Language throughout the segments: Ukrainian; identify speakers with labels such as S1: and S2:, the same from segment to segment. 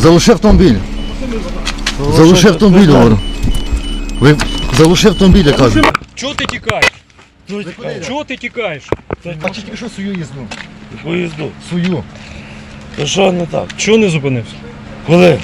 S1: Залиши автомобіль. Залиши автомобіль, говорю. Ви залиши автомобіль, я кажу.
S2: Чого ти тікаєш? Чого ти тікаєш?
S1: Бачиш, тільки що свою їзду.
S3: Яку їзду?
S1: Свою.
S3: То що не так?
S2: Чого не зупинився?
S3: Коли?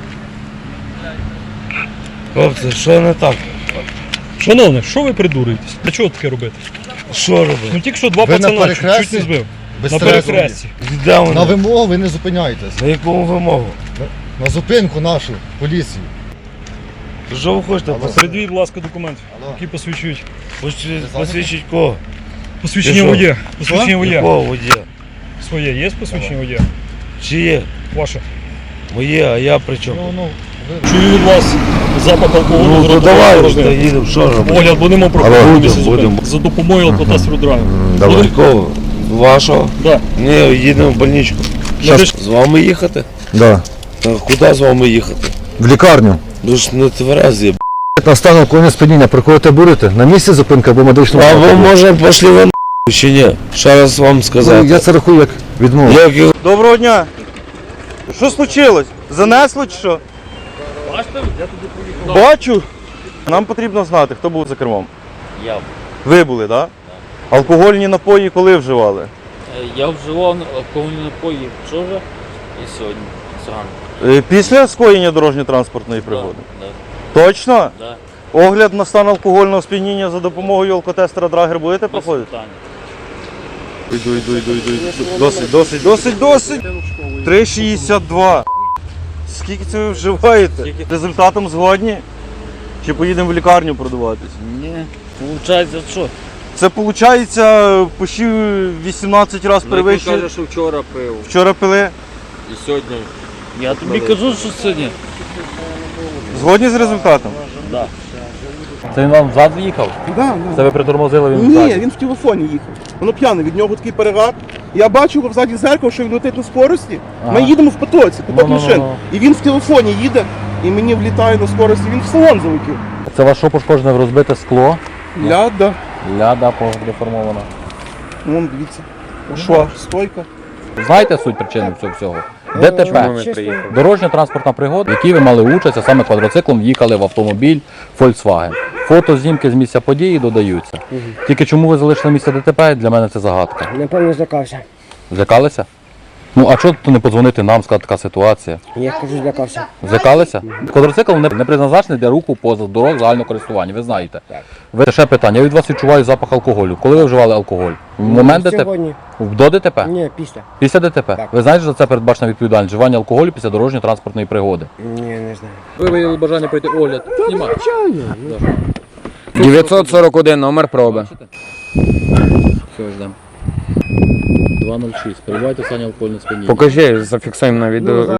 S3: Хлопці, що не так?
S2: Шановне, що ви придурюєтесь? Для чого таке робити?
S3: Що робити?
S2: Ну тільки що два
S1: Ви на
S2: пацана
S1: перехресті?
S2: чуть не збив.
S1: Без
S2: На
S1: стресу.
S2: перехресті.
S3: Де вони?
S1: На вимогу ви не зупиняєтесь.
S3: На яку вимогу?
S1: На зупинку нашу, поліцію.
S3: То що ви хочете?
S2: Передвіть, будь ласка, документи,
S1: Алло.
S2: які посвідчують.
S3: Посвідчить кого?
S2: Посвідчення
S3: Ти що?
S2: водія. Посвідчення водія.
S3: Якого водія?
S2: Своє є посвідчення водія?
S3: Чи є?
S2: Ваше.
S3: Моє, а я при чому?
S2: Чую від вас запах алкоголю.
S3: Ну
S2: з
S3: то
S2: ротової
S3: давай,
S2: порожнини.
S3: то їдемо, що робити?
S2: Огляд, будемо проходитися
S3: будемо.
S2: за допомогою алкотестеру драйву.
S1: Давай.
S3: Якого? Вашого?
S2: Да.
S3: Ні, їдемо в больничку.
S2: Щас.
S3: З вами їхати?
S1: Да.
S3: Та куди з вами їхати?
S1: В лікарню.
S3: Ви ж не тверезі, б***.
S1: На стан алкогольного сп'яніння приходите будете? На місці зупинка або медичного
S3: А ви
S1: закладу?
S3: може пішли в чи ні? Ще раз вам сказати.
S1: Я це рахую як відмову.
S3: Як його
S4: Доброго дня. Що случилось? Занесло чи що?
S2: Бачите, я туди поїхав.
S4: Бачу. Нам потрібно знати, хто був за кермом.
S5: Я.
S4: Ви були, так? Да? Алкогольні напої коли вживали?
S5: Я вживав алкогольні напої вчора і сьогодні зранку.
S4: Після скоєння дорожньо-транспортної пригоди?
S5: Да,
S4: Точно?
S5: да.
S4: Огляд на стан алкогольного сп'яніння за допомогою алкотестера Драгер будете
S5: Без
S4: проходити?
S5: питань.
S4: Йду. Досить. 3,62. Скільки це ви вживаєте? Результатом згодні? Чи поїдемо в лікарню продаватись?
S5: Ні, виходить, що?
S4: Це виходить, почти 18 разів перевищує.
S5: що вчора пив.
S4: Вчора пили.
S5: І сьогодні. Я тобі кажу, що сьогодні.
S4: Згодні з результатом?
S6: Це він вам взад їхав?
S7: Да.
S6: Це ви притормозили, він
S7: Ні,
S6: взад?
S7: він в телефоні їхав. Воно п'яний, від нього такий перегар. Я бачу його взаді зеркало, що він летить на скорості. Ми їдемо в потоці, поток машин. І він в телефоні їде, і мені влітає на скорості, він в салон залетів.
S6: Це вас що пошкоджене, розбите скло?
S7: Ляда.
S6: Ляда деформована.
S7: Вон, дивіться. Шва, стойка.
S6: Знаєте суть причини цього всього? ДТП. Дорожньо-транспортна пригода, в якій ви мали участь, а саме квадроциклом в'їхали в автомобіль Volkswagen. Фото, знімки з місця події додаються. Тільки чому ви залишили місце ДТП, для мене це загадка.
S8: Напевно, злякався.
S6: Злякалися? Ну, а чого тут не подзвонити нам, сказати, така ситуація?
S8: Я кажу, злякався.
S6: Злякалися? Квадроцикл не призначений для руху поза дорог загального користування, ви знаєте. Ви ще питання, я від вас відчуваю запах алкоголю. Коли ви вживали алкоголь? В момент ДТП?
S8: Сьогодні.
S6: До ДТП?
S8: Ні, після.
S6: Після ДТП?
S8: Так.
S6: Ви знаєте, що за це передбачена відповідальність? Вживання алкоголю після дорожньо-транспортної пригоди.
S8: Ні, не знаю.
S6: Ви виявили бажання пройти огляд? Знімайте.
S9: 941 номер проби.
S6: Все, ждемо. 206. Перебувайте в стані алкогольного сп'яніння.
S9: Покажи, зафіксуємо на відео.